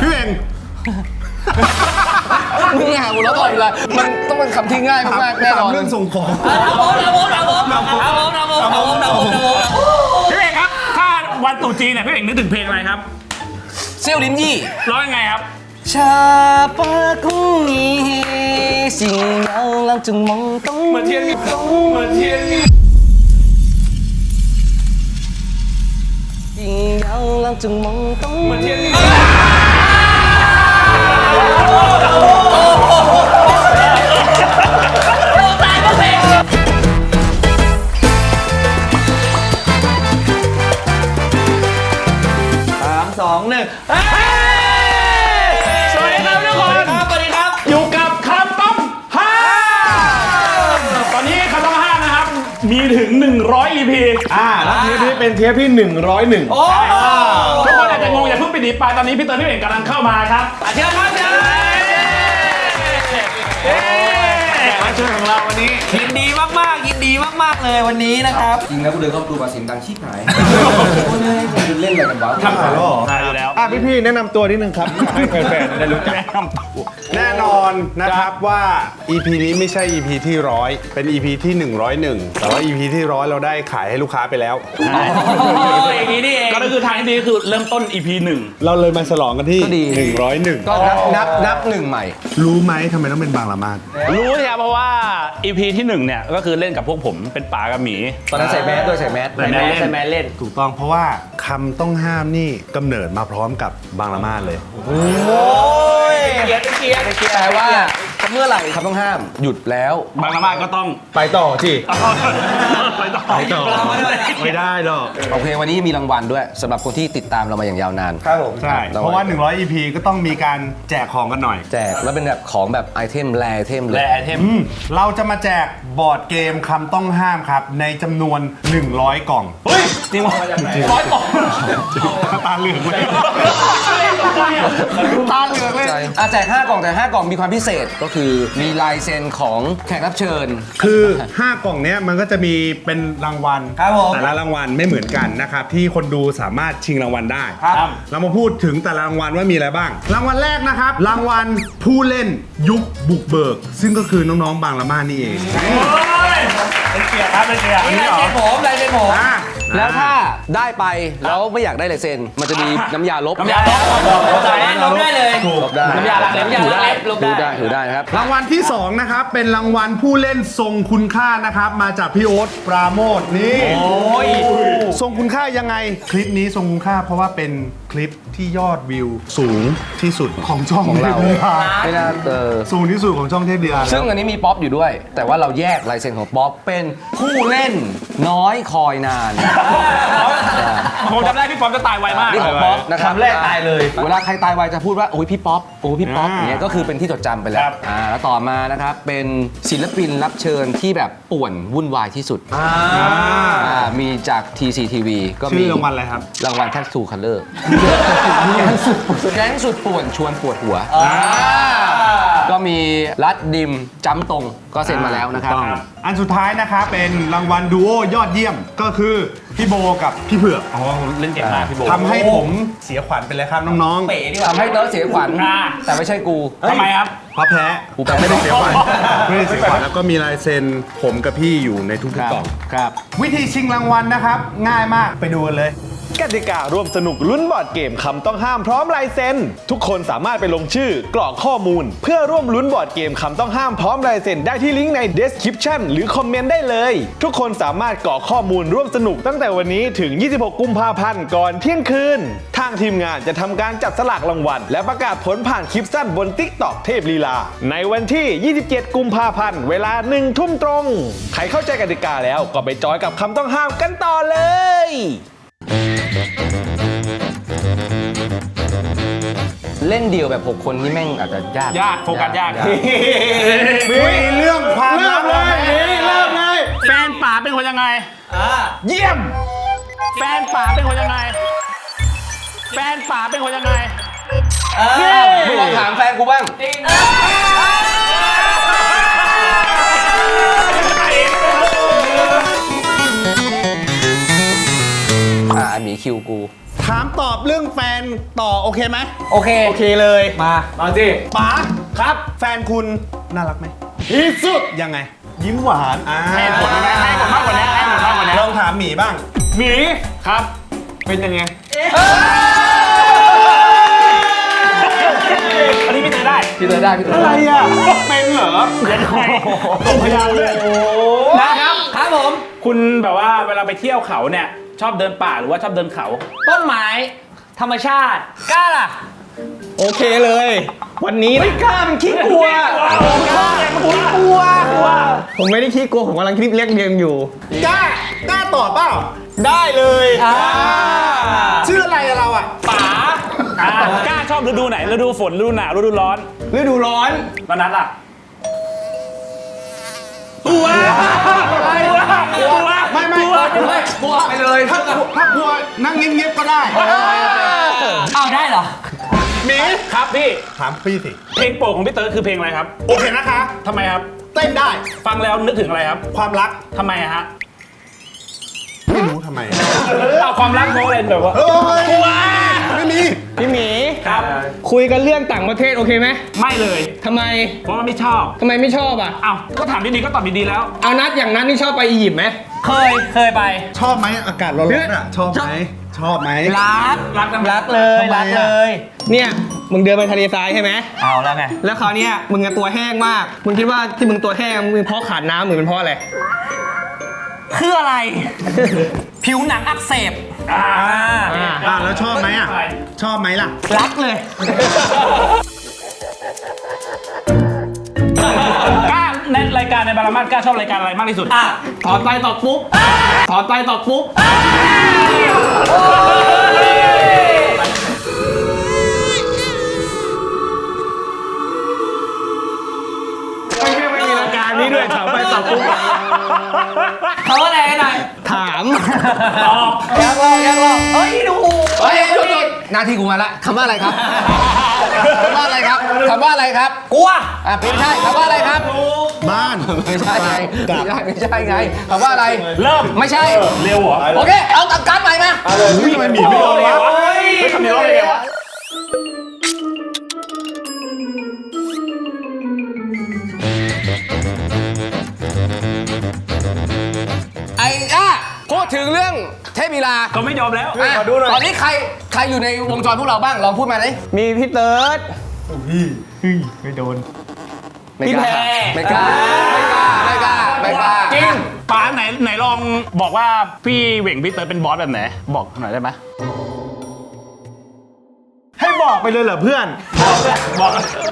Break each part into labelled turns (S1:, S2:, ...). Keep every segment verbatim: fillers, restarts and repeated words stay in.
S1: พี่เอง
S2: มึงหาหัวเราะต่อยเลยมันต้องเป็นคำที่ง่ายมากๆแน่นอน
S1: เรื่องส่งของ
S3: เอาผมเอาผมเอาผมเอาผมเอาผมเอาผมเอาผมเอาผม
S4: พี่เอกครับถ้าวันตรุษจีนเนี่ยพี่เอกนึกถึงเพลงอะไรครับ
S2: เซี่ยวลิ้นยี่
S4: ร้องยังไงครับ
S2: ชาปาคุงีสิ่งยังลังจึงมองต้อง
S4: เหมือนเทียนมีเหมือนเทียนมี
S2: สิ่งยังลังจึงมองต้อง
S4: เหมือนเทียนมี
S3: สองหนึ่ง
S4: สวัสดีครับทุกคน
S3: สวัสดีครับ
S4: อยู่กับคำต้องห้ามตอนนี้คำต้องห้ามนะครับมีถึงหนึ่งร้อย อี พี
S1: อ่าแล้วเทปนี้เป็นเทปที่หนึ่งร้อยเอ็ด
S3: โอ้
S4: ทุกคนอาจจะงงอย่าเพิ่งไปดีไปตอนนี้พี่เติร์นพี่เอกกำลังเข้ามาครับ
S3: เชิญครับเชิญ
S1: มาเชิญของเราวันนี้
S3: ยินดีมากๆยินดีมากๆเลยวันนี้นะครับจริงแล้วกูเดินเข้าดูมาเสียงดังชิบหายโอ้ยคุณเล่นอะไรกันวะ
S1: ทำหายแล้วเหรอ
S4: ได้อยู่แล้ว
S1: อ่ะพี่ๆแนะนำตัวนิดนึงครับให้แฟนๆได้รู้จักแน่นอนนะครับว่า อี พี นี้ไม่ใช่ อี พี ที่ร้อยเป็น อี พี ที่หนึ่งร้อยเอ็ดแต่ว่า อี พี ที่ร้อยเราได้ขายให้ลูกค้าไปแล้ว
S3: อย่างนี้นี่เอง
S4: ก็คือทางที่ดีคือเริ่มต้น อี พี หนึ่ง
S1: เราเลยมาฉลองกันที่หนึ่งร้อยเอ็ด
S2: ก็นับนับนับหนึ่งใหม่
S1: รู้ไหมทำไมต้องเป็นบางละมาด
S4: รู้ใช่ครับเพราะว่า อี พี ที่หนึ่งเนี่ยก็คือเล่นกับพวกผมเป็นป๋ากับหมี
S2: ตอนนั้นใส่แมสด้วยใส่แมส
S4: ใส่แมส
S2: ใส่แมสเล่น
S1: ถูกต้องเพราะว่าคำต้องห้ามนี่กำเนิดมาพร้อมกับบางละมาดเลย
S3: โอ้ยเกียร์เกียร์เกียร์
S2: แปลว่าเมื่อไหร่คำต้องห้ามหยุดแล้ว
S4: บางละมาดก็ต้อง
S1: ไปต่อสิ
S4: ไปต่อ
S1: ไปต่อไม่ได้หรอก
S2: โอเควันนี้มีรางวัลด้วยสำหรับคนที่ติดตามเรามาอย่างยาวนาน
S1: ครับผมใช่เพราะว่าหนึ่งร้อย อี พี ก็ต้องมีการแจกของกันหน่อย
S2: แจกแล้วเป็นแบบของแบบไอเทมแรไอเทมเลย
S4: แรไอเทม
S1: เราจะมาแจกบอร์ดเกมคำต้องห้ามครับในจำนวนหนึ่งร้อยกล่อง
S4: เฮ้ยจริงวะร้อยกล่อง
S1: ตาเหลืองเลยตาเหลืองเลย
S2: อ่ะแจกห้ากล่องแต่ห้ากล่องมีความพิเศษก็คือมีลายเซ็นของแขกรับเชิญ
S1: คือห้ากล่องเนี้ยมันก็จะมีเป็นรางวัลแต่ละรางวัลไม่เหมือนกันนะครับที่คนดูสามารถชิงรางวัลได้เรามาพูดถึงแต่ละรางวัลว่ามีอะไรบ้างรางวัลแรกนะครับรางวัลผู้เล่นยุคบุกเบิกซึ่งก็คือน้องๆบางละมาดนี่เอง
S4: เป็นเกียร์ครับเป็นเกียร์
S3: นี่ลายเซ็นผมลายเซ็นผม
S2: แล้วถ้าได้ไปแล้วไม่อยากได้ลายเซ็นมันจะมีน้ำยาลบ
S3: น้ำยาลบลบได้ลบได้เลย
S2: ลบได้
S3: น้ำยาล้างเล็บน้ำยาล้างเล็บลบได้
S2: ถือได้ครับ
S1: รางวัลที่สองนะครับเป็นรางวัลผู้เล่นทรงคุณค่านะครับมาจากพี่โอ๊ตปราโมทนี่
S3: โอ้ย
S1: ทรงคุณค่ายังไงคลิปนี้ทรงคุณค่าเพราะว่าเป็นคลิปที่ยอดวิวสูงที่สุดของช่อง
S2: ของเราไม่น่าเจอ
S1: สูงที่สุดของช่องเทพเดือน
S2: ซึ่งอันนี้มีป๊อปอยู่ด้วยแต่ว่าเราแยกลายเซ็นของป๊อปเป็นผู้เล่นน้อยคอยนาน
S4: ผมจำได้พี่ป๊อปจะตายไวมาก
S2: นี่ของป๊อปนะครับ
S3: แรกตายเลย
S2: เวลาใครตายไวจะพูดว่าโอ้ยพี่ป๊อปโอ้พี่ป๊อปอย่างเงี้ยก็คือเป็นที่จดจำไปแล้วอ่าแล้วต่อมานะครับเป็นศิลปินรับเชิญที่แบบป่วนวุ่นวายที่สุดอ่ามีจาก ที ซี ที วี ก็มี
S1: รางวัลอะไรครับ
S2: รางวัลแท็กทูคัลเลอร์แก๊งสุดป่วนชวนปวดหัวก็มีรัดดิมจ้ำตรงก็เซ็นมาแล้วนะครับ
S1: อันสุดท้ายนะครับเป็นรางวัลดูโอยอดเยี่ยมก็คือพี่โบกับพี่เผือก
S4: อ๋อเล่นเก่งมากพี่โบ
S1: ทำให้ผมเสียขวัญไปเลยครับน้อง
S2: ๆทำให้เติร์ดเสียขวัญแต่ไม่ใช่กู
S4: ทำไมครับ
S1: เพราะแพ้
S2: กูแพ้
S1: ไม่ได้เสียขวัญไม่ได้เสียขวัญแล้วก็มีลายเซ็นผมกับพี่อยู่ในทุกๆกล่อง
S2: ครับ
S1: วิธีชิงรางวัลนะครับง่ายมากไปดูกันเลยกติการ่วมสนุกลุ้นบอร์ดเกมคำต้องห้ามพร้อมลายเซ็นทุกคนสามารถไปลงชื่อกรอกข้อมูลเพื่อร่วมลุ้นบอร์ดเกมคำต้องห้ามพร้อมลายเซ็นได้ที่ลิงก์ใน description หรือคอมเมนต์ได้เลยทุกคนสามารถกรอกข้อมูลร่วมสนุกตั้งแต่วันนี้ถึงยี่สิบหกกุมภาพันธ์ก่อนเที่ยงคืนทางทีมงานจะทำการจับสลากรางวัลและประกาศผลผ่านคลิปสั้นบน TikTok เทพลีลาในวันที่ยี่สิบเจ็ดกุมภาพันธ์เวลาหนึ่งทุ่มตรงใครเข้าใจกติกาแล้วก็ไปจอยกับคำต้องห้ามกันต่อเลย
S2: เล่นเดี่ยวแบบหกคนนี่แม่งอาจจะยาก
S4: ยากโฟกัสยาก
S1: มีเรื่องความลับเลยเริ่มเลย
S4: แฟนป๋าเป็นคนยังไง
S1: เยี่ยม
S4: แฟนป๋าเป็นคนยังไงแฟนป๋าเป็นคนยังไง
S2: มึงลองถามแฟนกูบ้างอ่าหมีคิวกู
S1: ถ้ถามตอบเรื่องแฟนต่อโอเคไหม
S3: โอเค
S1: โอเคเลย
S3: มา
S4: มาสิ
S1: ป๋า
S4: ครับ
S1: แฟนคุณน่ารักไหม
S4: ที่สุด
S1: ยังไง ยิ้มหวานอ่า
S4: ให้ผลได้ไหมให้ผลมากกว่านี้ให้ผลมากกว่านี้
S1: ลองถามหมีบ้าง
S4: หมีครับ เป็นยังไงอันนี้พี่เตยได้
S2: พี่เตอร์ได้พี่เตอร์
S1: อะไร
S2: ได้
S1: อ่ะเป็นเหรอ
S4: ยังไงตรงพยานเลย
S3: นะครับครับผม
S4: คุณแบบว่าเวลาไปเที่ยวเขาเนี่ยชอบเดินป่าหรือว่าชอบเดินเขา
S3: ต้นไม้ธรรมชาติกล้าล่ะ
S1: โอเคเลย วันนี้ไม่กล้ามันขี้กลัว
S4: กล้ามันขี้กลัวกลัว
S1: ผมไม่ได้ขี้กลัวผมกำลังคิดเรียกเรียงอยู่กล้ากล้าตอบเปล่าได้เลยชื่ออะไรอะเราอ่ะ
S4: ป๋าอ่ากล้าชอบฤดูไหนฤดูฝนฤดูหนาวฤดูร้อน
S1: ฤดูร้อน
S4: ตอนนั้นล่ะกลัวกลัวกลัว
S1: ไม่ไม่
S4: กลัว
S1: ไม่
S2: กลัวไปเลย
S1: ถ้ากลัวถ้ากลัวนั่งเงียบๆก็ได้
S3: เอาได้เหรอ
S1: หมี
S4: ครับพี่
S1: ถามพี่สิ
S4: เพลงโปรดของพี่เติร์ดคือเพลงอะไรครับ
S1: โอเคนะคะ
S4: ทำไมครับ
S1: เต้นได้
S4: ฟังแล้วนึกถึงอะไรครับ
S1: ความรัก
S4: ทำไมอะฮะ
S1: ไม่รู้ทำไม
S4: เอาความรักเพราะอะไรแบบว่า
S1: เฮ้ย
S4: กลัว
S1: ไม่มี
S5: พี่หมี
S4: ครับ
S5: คุยกันเรื่องต่างประเทศโอเคไหม
S4: ไม่เลย
S5: ทำไม
S4: เพราะว่าไม่ชอบ
S5: ทำไมไม่ชอบอ่ะ
S4: อ้าวก็ถามดีๆก็ตอบดีๆแล้ว
S5: เอานัดอย่างนัดนี่ชอบไปอียิปต์ไหม
S3: เคยเคยไป
S1: ชอบไหมอากาศร้อนๆอ่ะชอบไหมชอบไหม
S3: รัก
S4: รักนะ
S3: รักเลย
S1: ทำไม
S3: รัก
S1: อะ
S3: เลย
S5: เนี่ยมึงเดินไปทะเลทรายใช่ไหม
S3: เอาแล้วไง
S5: แล้วคราวเนี้ยมึงอะตัวแห้งมาก มึงคิดว่าที่มึงตัวแห้งมึงเป็นเพราะขาดน้ำหรือเป็นเพราะอะไร
S3: คืออะไร ผิวหนังอักเสบ
S4: อ่า
S5: อ่า
S1: อ่ะแล้วชอบไหมอ่ะชอบไหมล่ะ
S3: รักเลย
S4: กล้าในรายการในบารามาสกล้าชอบรายการอะไรมากที่สุด
S3: อ่ะ
S5: ถอนไปตอบปุ๊บ ถอนไปตอบปุ๊บ ไม่ใช่ไม่มีรายการนี้ด้วยถามไปตอบปุ๊บ
S3: เขาอะไรกันหน่อย
S5: ถาม
S4: ตอบ
S3: อยากลองอยากลองเฮ้ยดู
S2: เฮ้ยหยุดหยุดหน้าที่กูมาละคำว่าอะไรครับคำว่าอะไรครับคำว่าอะไรครับ
S3: กลัว
S2: อ่ะไม่ใช่คำว่าอะไรครับ
S1: บ้าน
S2: ไม่ใช่ไงไม่ใช่ไม่ใช่ไงคำว่าอะไร
S4: เริ่ม
S2: ไม่ใช่
S4: เร็วเหรอ
S2: โอเค เอาตับการ์ดใหม่มา
S1: อุ้ยทำไมหมีไม่
S4: โอ้
S1: เอา
S4: เลยว
S1: ะ
S4: วะเฮ้ยคำนี้เราเลยวะ
S2: ไอ้ก้าพูดถึงเรื่องเทพวีลา
S4: ก็ไม่ยอมแล้ว
S2: อ่ะตอนนี้ใครใครอยู่ในวงจรพวกเราบ้างลองพูดมาเลย
S5: มีพี่เติร์ด
S2: ไม่กล้าไม่กล้าไม่กล้าไม่กล้า
S4: จริงป๋าไหนไหนลองบอกว่าพี่เหว่งพี่เติร์ดเป็นบอสแบบไหน บอกหน่อยได้ไหม
S1: ให้บอกไปเลยเหรอเพื่อน
S4: บอก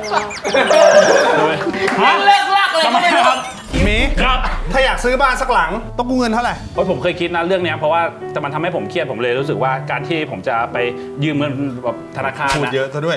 S3: เลิกลักเลย
S4: ทำไมครับ
S1: หมี
S4: ครับ
S1: ถ้าอยากซื้อบ้านสักหลังต้องกู้เงินเท่าไหร่
S4: โอ้ยผมเคยคิดนะเรื่องเนี้ยเพราะว่าจะมันทำให้ผมเครียดผมเลยรู้สึกว่าการที่ผมจะไปยืมเงินแบบธนาคาร
S1: พูด
S4: นะ
S1: เยอะซะด้วย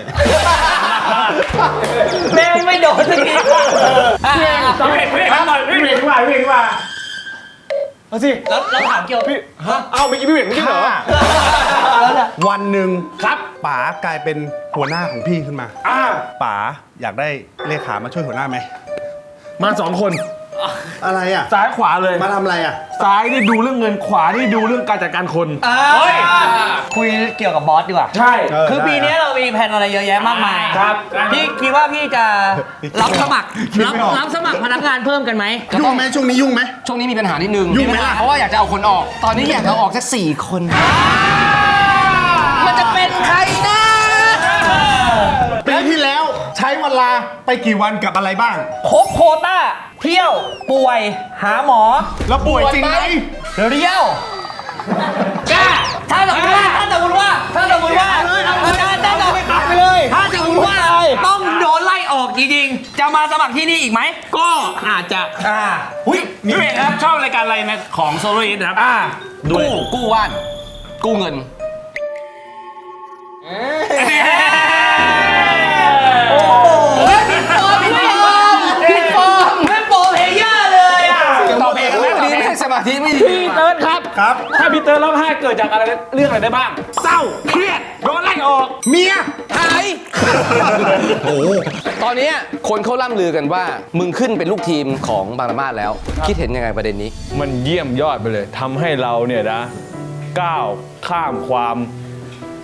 S3: แม่งไม่โดนสักทีอ่ะ
S4: พี่เหว่งพี่เหว่งทำหน่อยพี่เหว่งดีกว่าพี่เหว่งดีกว่า
S5: เอาสิ
S3: แล้วเราถามเกี่ยวกับพี่
S5: เอ้าเมื่อกี้พี่เหวี่ยงไม่ใช่เหรอ
S1: วันหนึ่ง
S4: ครับ
S1: ป๋ากลายเป็นหัวหน้าของพี่ขึ้นมา
S4: อ่า
S1: ป๋าอยากได้เลขามาช่วยหัวหน้าไหม
S5: มาสองคน
S1: อะไรอ่ะ
S5: ซ้ายขวาเลย
S1: มาทำอะไรอ่ะ
S5: ซ้ายนี่ดูเรื่องเงินขวานี่ดูเรื่องการจัดการคน
S3: เฮ้ยคุยเกี่ยวกับบอสดีกว่า
S5: ใช่
S1: เออ
S3: คือ
S1: ได้
S3: ปีนี้เรามีแผนอะไรเยอะแยะมากมาย
S4: ครับ
S3: พี่คิดว่าพี่จะรับสมัคร
S1: คิด
S3: รับ
S1: ไม่ออก
S3: รับสมัครพนักงานเพิ่มกันไหม
S1: ยุ่งไหมช่วงนี้ยุ่งไหม
S2: ช่วงนี้มีปัญหานิดนึง
S1: ยุ่งไหมล่ะ
S2: เพราะว่าอยากจะเอาคนออก ตอนนี้อยากจะเอาออกสักสี่คน
S3: มันจะเป็นใครนะ
S1: ปีที่แล้วใช้เวลาไปกี่วันกับอะไรบ้าง
S3: ครบโควต้า เที่ยว ป่วย หาหมอ
S1: แล้วป่วยจริงไหม
S3: เรียวกล้าถ้าสมมติว่าถ้าสมมติว่าถ้าสมมติว่าถ้าถ้าสมมติ
S5: ไปเลย
S3: ถ้าสมมติว่าต้องโดนไล่ออกจริงๆจะมาสมัครที่นี่อีกไหม
S5: ก็อาจจะ
S3: อ่าหุ้ย
S4: พี่เหว่งครับชอบรายการอะไรในของโซโลอิสครับ
S5: อ่า
S4: ดูเลย
S2: กู้กู้ว่าน กู้เงิน
S3: โอ้โหผิดฟอร์มผิดฟอร์มผิดฟอร์มไม่โปรเพลเยอร์เลยอ่ะ
S2: ตอบเองไม่ดีไม่สมาธิไม่ดี
S4: พี่เติร์ดครับ
S1: ครับ
S4: ถ้าพี่เติร์ดร้องไห้เกิดจากอะไรเรื่องอะไรได้บ้าง เศร้า เครียด โดนไล่ออก
S1: เมีย
S2: หายตอนนี้คนเขาล่ำลือกันว่า มึงขึ้นเป็นลูกทีมของบางละมาดแล้ว คิดเห็นยังไงประเด็นนี้
S6: มันเยี่ยมยอดไปเลยทำให้เราเนี่ยนะก้าวข้ามความ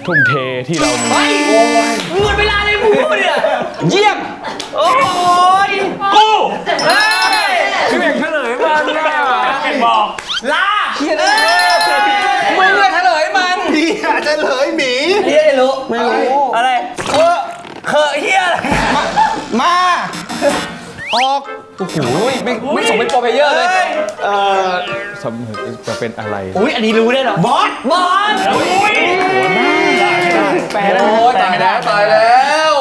S1: ทุ่มเทที่เรามี
S5: เฮ้ยหมดเวลาเลยมึงพูดเนี่ย
S2: เยี่ยม
S5: โอ้ย
S4: กู
S5: เฮ้ย
S4: พี่เบ่งเฉลยมันแน่เป็นบอก
S5: ลา
S2: เฮียเลยมึงเลยเฉลยมัน
S1: พี่อาจจะเลยหมี
S5: เฮียไม่รู้ไม่รู้อะไรเคอะเคอะเฮียอะไร
S1: มาออก
S2: โอ้โหไม่ไม่สมเป็นโปรเพลเยอร์เลย
S1: เอ่อสมจะเป็นอะไร
S5: อุ้ยอันนี้รู้ได้เหรอบอสบอส
S4: อุ้ย
S5: แปลแล้ว
S2: โอ้ยตายแล้วตายแล้ว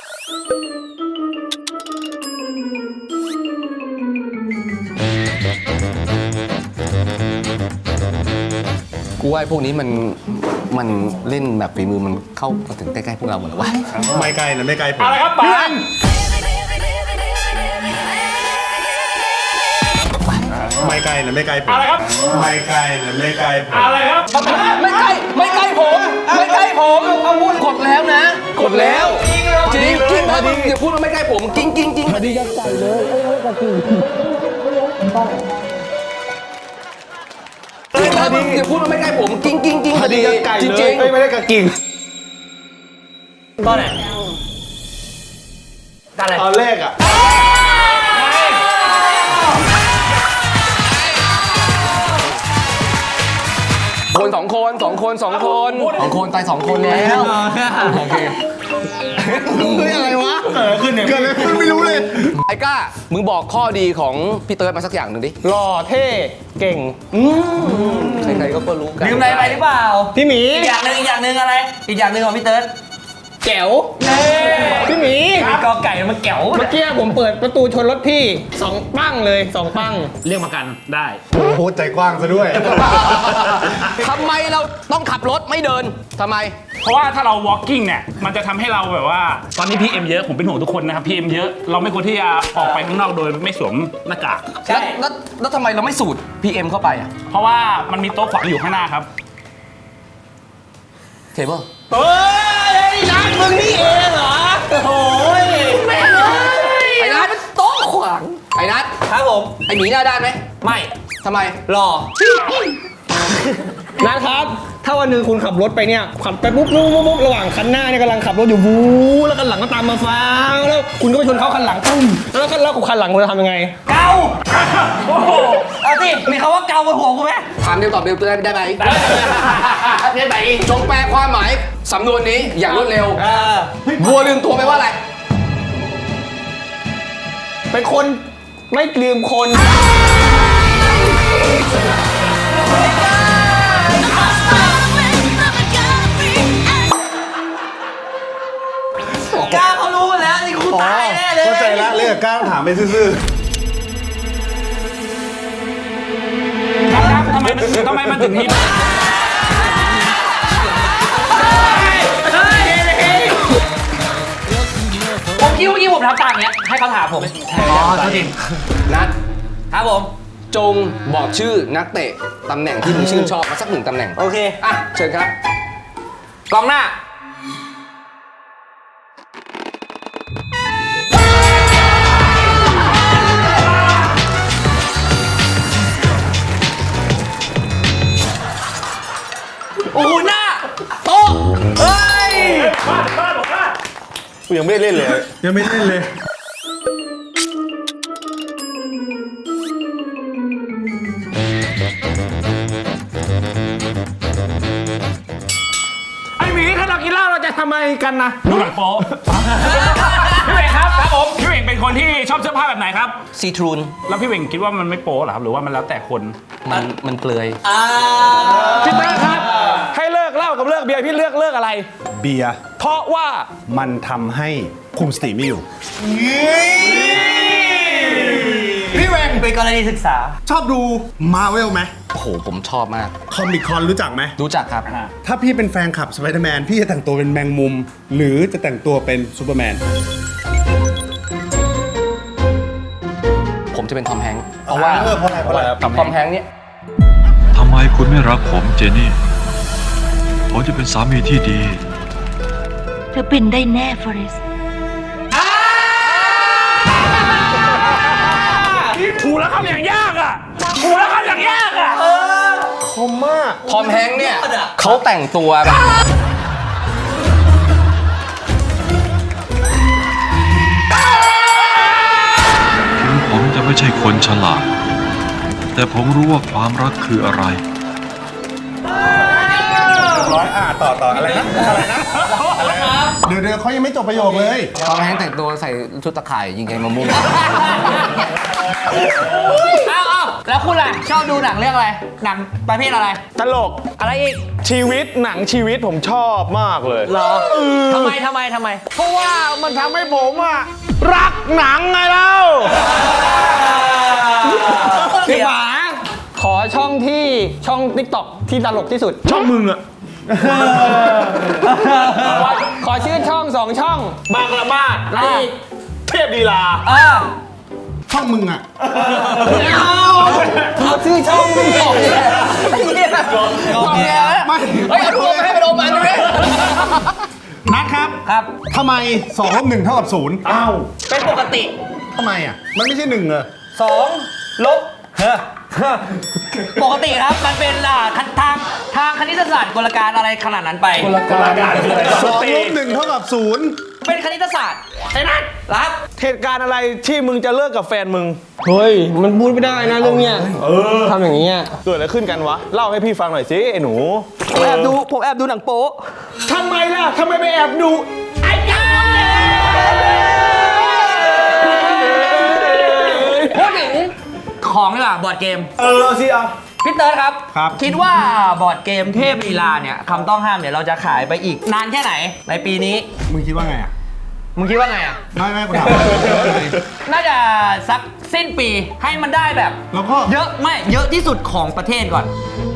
S2: กูว่าไอ้พวกนี้มันมันเล่นแบบฝีมือมันเข้ามาถึงใกล้ๆพวกเราหมดแล้ววะ
S1: ไม่ไกลนะไม่ไกลผม
S4: อะไรครับปาน
S1: ไม่ไกลนะไม่ไกลผม
S4: อะไรครับ
S1: ไม่ไกลนะไม่ไกลผม
S4: อะไรครับ
S2: ไม่ใกล้ไม่ใกล้ผมไม่ใกล้ผมเอาพูดกดแล้วนะกดแล้วจริงจริงนะมึงอย่าพูดว่าไม่ใกล้ผมจริงจริงจริงพอดียัดใจเลยพอดีมึงอย่าพูดว่าไม่ใกล้ผมจริงจริงจริง
S1: พอดีกับไก่
S2: จ
S1: เล
S2: ริ
S1: ย
S2: ง
S1: ไม่ได้กับกิ่ง
S5: ตอนไหนตอนไหน
S1: ตอนแรกอ่ะ
S2: คนสองคนสองคนสองคนสองคนตายสองคนแล้วโอเค
S1: เฮ้ยอะไรวะเกิดขึ้นเนี่ยเกิดอะไรขึ้นไม่รู้เลย
S2: ไอ้ก้ามึงบอกข้อดีของพี่เติร์ดมาสักอย่างหนึ่งดิ
S5: หล่อเท่เก่ง
S2: ใครๆก็รู้กัน
S3: ลืมอะไรไปหรือเปล่า
S5: พี่หมี
S3: อีกอย่างหนึ่งอีกอย่างหนึ่งอะไร อีกอย่างหนึ่งของพี่เติร์ด
S5: แจ๋วพี่หมี
S3: มีกอไก่มันแก๋ว
S5: เมื่อกี้ผมเปิดประตูชนรถพี่สองปั้งเลยสองปั้ง
S4: เรียกมากันได้
S1: โอ้โหใจกว้างซะด้วย
S2: ทำไมเราต้องขับรถไม่เดินทำไม
S4: เพราะว่าถ้าเรา walking เนี่ยมันจะทำให้เราแบบว่า ตอนนี้ พี เอ็ม เยอะผมเป็นห่วงทุกคนนะครับ พี เอ็ม เยอะเราไม่ควรที่จะออกไปข้างนอกโดยไม่สวมหน้ากาก
S2: แล้วแล้วแล้วทำไมเราไม่สูด พี เอ็ม เข้าไปอ่ะ
S4: เพราะว่ามันมีโต๊ะขวางอยู่ข้างหน้าครับ
S2: เทเบิล
S5: เฮ้ยนัดมึงนี่เองเหรอโอ้ยแม่เลย
S2: ไอ้นัทโต๊ะขวางไอ้นัท
S5: ครับผม
S2: ไอ้หมีหน้าด้านไหม
S5: ไม่
S2: ทำไม
S5: หล่อนัดครับ ถ้าวันหนึ่งคุณขับรถไปเนี่ยขับไปปุ๊บปุ๊บปุ๊บปุ๊บระหว่างคันหน้าเนี่ยกำลังขับรถอยู่วูแล้วคันหลังก็ตามมาฟ้าวแล้วคุณก็ไปชนเขาคันหลังปุ้มแล้วคันแล้วคันหลังคุณจะทำยังไง
S3: เกาโอ้โหเอาสิมีคำว่าเกาบนหัวกูไหม
S2: ถามเดียวตอบเดียวได้ได้ไหมได้ไหมจงแปลความหมายสำนวนนี้อย่างรวดเร็ว
S3: เออ
S2: วัวลืมตัวไปว่าอะไร
S5: เป็นคนไม่ลืมคน
S3: กล้าเขารู้หมดแล้วนี่กูตายแน่เลย
S1: เข้าใจละเรื่องก้าวถามไปซื่อ
S4: ครับทำไมมันทำไมมันถึงมี
S3: ผมคิดว่าเมื่อกี้ผมทำตามอย่างเงี้ยให้เขาถามผมอ๋อจริง
S2: นัท
S3: ครับผม
S2: จงบอกชื่อนักเตะตำแหน่งที่มึงชื่นชอบมาสักหนึ่งตำแหน่ง
S3: โอเค
S2: อ่ะเชิญครับ
S3: กองหน้าโอ้โหหน้าโต๊ะเฮ้ย
S4: บ้านบ้านบอกว่า
S1: ๆกูยังไม่ได้เล่นเลย ยังไม่เล่นเลย
S4: ไอหมีถ้าเรากินเหล้าเราจะทำไมกันนะดูหนังโป๊พี่เวงครับครับผมพี่เวงเป็นคนที่ชอบเสื้อผ้าแบบไหนครับ
S2: ซีทรูน
S4: แล้วพี่เวงคิดว่ามันไม่โป๊เหรอครับหรือว่ามันแล้วแต่คน
S2: มันมันเปลือย
S3: อ่า
S1: พี่เต้ครับ ให้เลิกเหล้ากับเลิกเบียร์พี่เลือกเลิกอะไร เบียร์ เพราะว่ามันทำให้คุมสติไม่อยู่
S3: พี่แวงเป็นกรณีศึกษา
S1: ชอบดูมาเวลไหม
S2: โอ้โห ผมชอบมาก
S1: คอมิคอนรู้จักไหม
S2: รู้จักครับ
S1: ถ้าพี่เป็นแฟนคลับสไปเดอร์แมนพี่จะแต่งตัวเป็นแมงมุม หรือจะแต่งตัวเป็นซูเปอร์แมน
S2: ผมจะเป็นทอมแฮงค์เพราะว่า
S1: เออเพราะอะไรเพราะอะไรครับ
S2: ทอมแฮงค์เนี่ย
S6: ทำไมคุณไม่รักผมเจนี่ ผมจะเป็นสามีที่ดี
S7: เธอเป็นได้แน่ฟอเรส
S4: ถูกแล้วครับอย่างยากอ่ะถูกแล้วครับอย่างยากอ่ะ
S2: ทอมแฮงค์เนี่ยเขาแต่งตัวแบบ
S6: แต่ผมรู้ว่าความรักคืออะไร
S1: ร้อยอ่าต่อต่ออะไรนะอะไรนะอะไรนะเดี๋ยวเดี๋ยวเขายังไม่จบประโยคเลย
S2: ตอนแห้งแต่งตัวใส่ชุดตะข่ายยิงไงมะม่วง
S3: อ้าวอ้าวแล้วคุณล่ะ ชอบดูหนังเรื่องอะไร หนังประเภทอะไร
S1: ตลก
S3: อะไรอีก
S1: ชีวิตหนังชีวิตผมชอบมากเลย
S3: เหรอทำไมทำไมทำไม
S1: เพราะว่ามันทำให้ผมอะรักหนังไงเล่า
S5: พี่หมาขอช่องที่ช่อง ติ๊กต็อก ที่ตลกที่สุด
S1: ช่องมึงอะ
S5: ขอชื่อช่องสองช่อง
S1: บางละมาด
S3: อะไรอีก
S1: เทพดีลา
S3: เออ
S1: ช่องมึงอะ
S5: เอาชื่อช่องติ๊กต็อกเนี่ย
S3: ไอ้เหี้ยงงแงแล้ว
S1: ไม่
S3: เฮ้ยเอาดูมาให้ไปโดนมันดูดิ
S1: นัดครับ
S3: ครับ
S1: ทำไมสองลบหนึ่งเท่ากับศูนย์อ้าว
S3: เป็นปกติ
S1: ทำไมอะมันไม่ใช่หนึ่งเหรอ
S3: สองลบปกติครับมันเป็นอ่าทางทางทางคณิตศาสตร์กลการอะไรขนาดนั้นไป
S1: สองลบหนึ่งเท่ากับศูนย์
S3: เป็นคณิตศาสตร์ไอ้นั่นรับ
S1: เหตุการณ์อะไรที่มึงจะเลิกกับแฟนมึง
S5: เฮ้ย มันพูดไม่ได้นะเรื่องเนี้ยทำอย่างนี้ย
S1: เกิดอะไรขึ้นกันวะ เล่าให้พี่ฟังหน่อยสิไอ้หนู
S3: ผมแอบดูผมแอบดูหนังโป๊ะ
S1: ทำไมล่ะทำไมไปแอบดู
S3: ไอ้จ้าพูดถึงของดีกว่าบอร์ดเกม
S1: เออสิอ่ะ
S3: พี่เติร์ดครับ
S1: ครับ
S3: คิดว่าบอร์ดเกมเทพลีลาเนี่ยคำต้องห้ามเนี่ยเราจะขายไปอีกนานแค่ไหนในปีนี้
S1: มึงคิดว่าไงอ่ะ
S3: มึงคิดว่าไงอ่ะ
S1: ไม่ไม่กูถาม
S3: น่าจะสักสิ้นปีให้มันได้แบบ
S1: แล้วก็
S3: เยอะไม่เยอะที่สุดของประเทศก่อน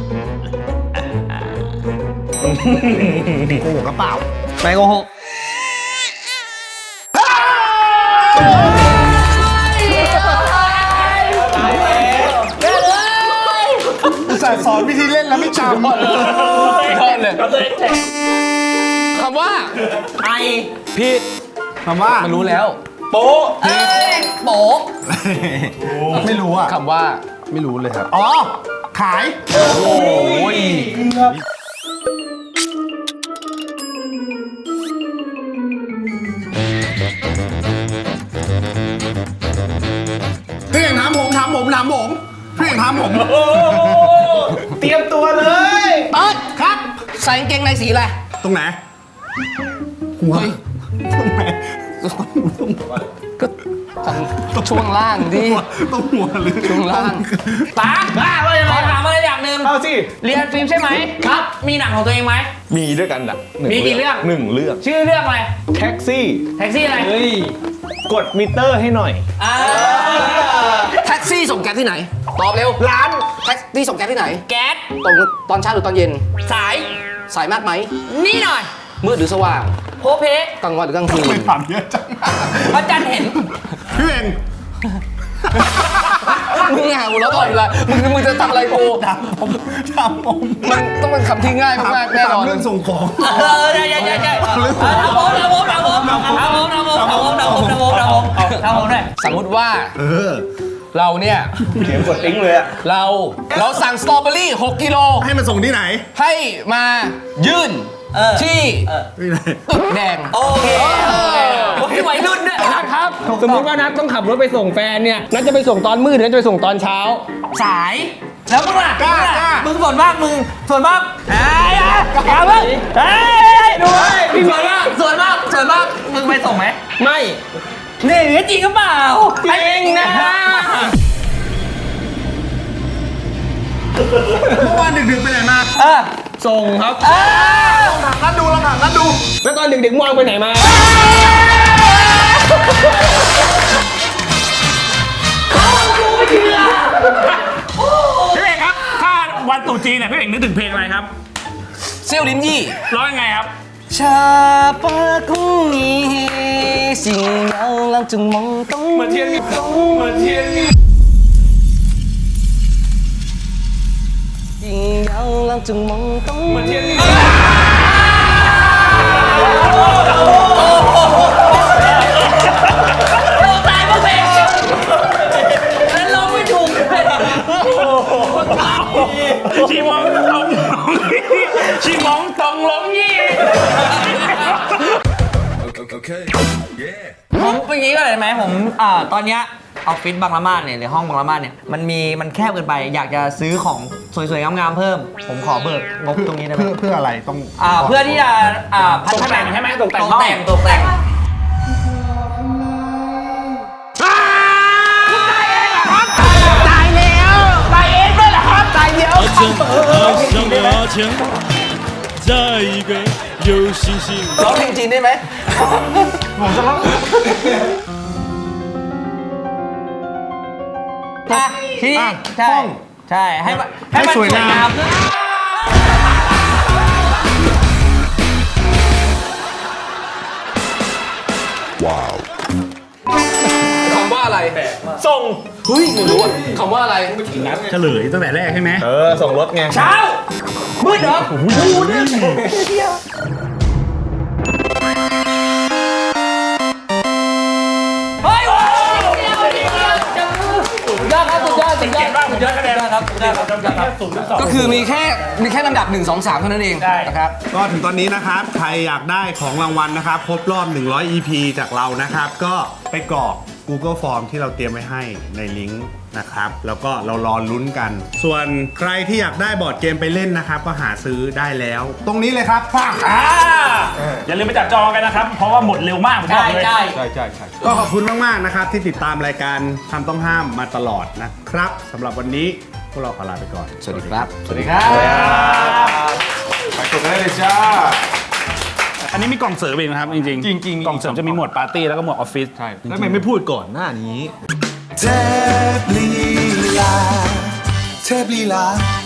S1: โกหกกระเป๋า
S3: ไม่โกหก
S1: อุตส่าห์สอนวิธีเล่นแล้วไม่จำ
S2: ยอดเลยคำว่า
S3: ไอ
S1: ผิดคำว่า
S2: มันรู้แล้ว
S1: โป๊ะ
S3: เอ้ยโป๊ะ
S1: ไม่รู้อ่ะ
S2: คำว่า
S1: ไม่รู้เลยครับ อ๋อ ขาย
S2: โอ้ย
S1: พี่เอกถามผมถามผมถามผมพี่เอกถามผม เตรียมตัวเลย
S3: เติร์ดครับ ใส่กางเกงในสีอะไร
S1: ตรงไหน หัวตรงไหน
S2: ก็ช่วงล่างดิ
S1: ตรงหัวหรือ
S2: ช่วงล่าง
S3: ตาบ้าว่ายังไงขอถามอะไรอย่างหนึ่ง
S1: เอาสิ
S3: เรียนฟิล์มใช่ไหมครับ มีหนังของตัวเองไหม
S1: มีด้วยกันอ่ะหนึ่
S3: มีกี่เรื่อง
S1: หนึ่งเรื่อง
S3: ชื่อเรื่องอะไร
S1: แท็กซี่
S3: แท็กซี่อะไร
S1: กดมิเตอร์ให้หน่อย
S3: อ่า
S2: แท็กซี่ส่งแก๊สที่ไหน ตอบเร็ว
S1: ร้าน
S2: แท็กซี่ส่งแก๊สที่ไหน
S3: แก๊ส
S2: ตอนตอนเช้าหรือตอนเย็น
S3: สาย
S2: สายมากไหม
S3: นี่หน่อย
S2: มืดหรือสว่าง
S3: โพเพ
S2: กลางวันหรือกลางคืน
S1: ไม่ถามเยอะจัง
S3: พระจันทร์เห็น
S1: พี่เอง
S2: มึงหาหัวเราะตลอดเวลามึงมึงจะทำอะไรกู
S1: ผมถามผม
S2: มันต้องเป็นคำที่ง่ายมากๆแน่นอน
S1: ถามเรื่องส่งของ
S3: เออใช่ใช่ใช่ใช่เอาผมเอาผมเอาผมเอาผมเอาผมเอาผมเอาผมเอาผมเอาผมเอาผมเอาผมด้วย
S2: สมมติว่า
S1: เออ
S2: เราเนี่ย
S1: เขียนกดติ้งเลยอะ
S2: เราเราสั่งสตรอเบอรี่หกกิโล
S1: ให้มาส่งที่ไหน
S2: ให้มายื่น
S3: เออ
S2: ที่
S1: ที่ไหน
S2: ตึกแดง
S3: โอเคโอ้ยวัยรุ่นด้วย
S5: นะครับ สมมติว่านัดต้องขับรถไปส่งแฟนเนี่ย นัดจะไปส่งตอนมืดหรือนัดจะไปส่งตอนเช้า
S3: สาย แล้วมึงล่ะมึงล่ะมึงส่วนมากมึงส่วนมากไอ้ยเอาเว้ยเฮ้ยดูเว้ยพี่ส่วนมากส่วนมากส่วนมากมึงไปส่งไหม
S5: ไม่
S3: นี่จริงหรือเปล่า
S5: จริงนะ
S1: เมื่อวานดึกๆไปไหนมา
S3: เออ
S5: ส่งครับ
S3: เออ
S1: ลองถามนัดดูลองถามนัดดู
S5: แล้วตอนดึกๆมองไปไหนมา
S4: พี่เอกครับ ถ้าวันตรุษจีนเนี่ยพี่เอกนึกถึงเพลงอะไรครับ
S2: เซี่ยวลิ้นยี่
S4: ร้องยังไงครับ
S2: ชาปาคุงีสิ่งยังลังจึงมองต้องเหมือนเทียนมีต้องเหมือนเทียนมีสิ่งยังลังจึงมองต้องเหมือนเทียนมี
S3: ตายเพราะเพลงแล้วร้องไม่ถูก
S4: ชีมองตรงลงยี่ชีมองตรงลงยี่
S6: Okay.
S3: ผมเป็นอย่างนี้ก็เลยไหมผมอ่าตอนเนี้ยออฟฟิศบางละมาดเนี่ยหรือห้องบางละมาดเนี่ยมันมีมันแคบเกินไปอยากจะซื้อของสวยๆงามๆเพิ่ม ผมขอเบิกงบตรงนี้ได้ไหม
S1: เพื่อเพื่ออะไรต้อง
S3: อ่าเพื่อที่จะอ่าพัฒนา
S4: ตกแต่งใช่ไหมตกแต่ง
S3: ตกแต่งตกแต่ง
S8: 在一个有星星。
S2: ร้องเพลงจีนได้ไหม
S3: อ่ะที่นี่ใช่ใช่ให้มันให้มันสวยงาม
S2: คำว่าอะไร
S1: ส่ง
S2: เฮ้ยไม่รู้อะคำว่าอะไร
S4: เฉลยตั้งแต่แรกใช่ไหม
S1: เออ ส่งรถไง
S3: เช้ามืดเหรอมูเนี่ยเฮ้ยโอ้สุดยอดครับสุดยอดสุดยอดสุดยอดคะแนนครับสุดยอดครับสุดยอดครับ
S2: ก็คือมีแค่มีแค่ลำดับหนึ่ง สอง สามเท่านั้นเองนะครับ
S1: ก็ถึงตอนนี้นะครับ ใครอยากได้ของรางวัลนะครับ ครบรอบ หนึ่งร้อย อี พี จากเรานะครับ ก็ไปกรอก Google Form ที่เราเตรียมไว้ให้ในลิงก์นะครับ แล้วก็เรารอลุ้นกัน ส่วนใครที่อยากได้บอร์ดเกมไปเล่นนะครับ ก็หาซื้อได้แล้ว ตรงนี้เลยครับฟัง
S4: อ่าอย่าลืมไปจับจองกันนะครับ เพราะว่าหมดเร็วมากผมบอก
S3: ใช่
S4: เลย
S3: ใช่
S1: ใช่ใช่ใช่ก็ขอบคุณมาก ๆ นะครับ ที่ติดตามรายการคำต้องห้ามมาตลอดนะครับสำหรับวันนี้พวกเราขอลาไปก่อน
S2: สวัสดีครับ
S1: สวัสดีครับไปกดได้เลยจ้า
S4: อันนี้มีกล่องเสริมเองนะครับจริงๆ
S5: จริงๆมี
S4: กล่องเสริมจะมีหมวดปาร์ตี้แล้วก็หมวดออฟฟิศ
S5: ใช่แล้วทำไมไม่พูดก่อนหน้านี้
S9: เทพลีลาเทพลีลา